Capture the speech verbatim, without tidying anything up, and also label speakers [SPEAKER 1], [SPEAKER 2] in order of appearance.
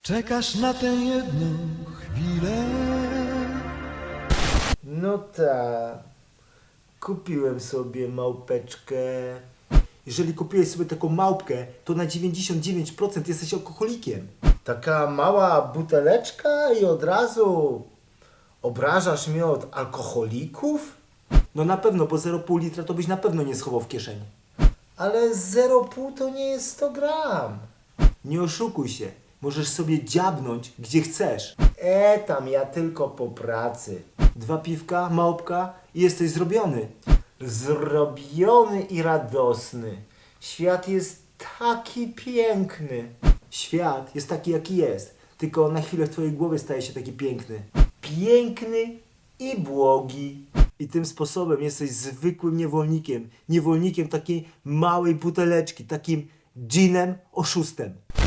[SPEAKER 1] Czekasz na tę jedną chwilę.
[SPEAKER 2] No tak. Kupiłem sobie małpeczkę.
[SPEAKER 3] Jeżeli kupiłeś sobie taką małpkę, to na dziewięćdziesiąt dziewięć procent jesteś alkoholikiem.
[SPEAKER 2] Taka mała buteleczka i od razu obrażasz mnie od alkoholików?
[SPEAKER 3] No na pewno, bo zero przecinek pięć litra to byś na pewno nie schował w kieszeni.
[SPEAKER 2] Ale zero przecinek pięć to nie jest sto gram.
[SPEAKER 3] Nie oszukuj się. Możesz sobie dziabnąć gdzie chcesz.
[SPEAKER 2] E, tam ja tylko po pracy.
[SPEAKER 3] Dwa piwka, małpka i jesteś zrobiony.
[SPEAKER 2] Zrobiony i radosny. Świat jest taki piękny.
[SPEAKER 3] Świat jest taki jaki jest, tylko na chwilę w twojej głowie staje się taki piękny.
[SPEAKER 2] Piękny i błogi.
[SPEAKER 3] I tym sposobem jesteś zwykłym niewolnikiem. Niewolnikiem takiej małej buteleczki, takim dżinem oszustem.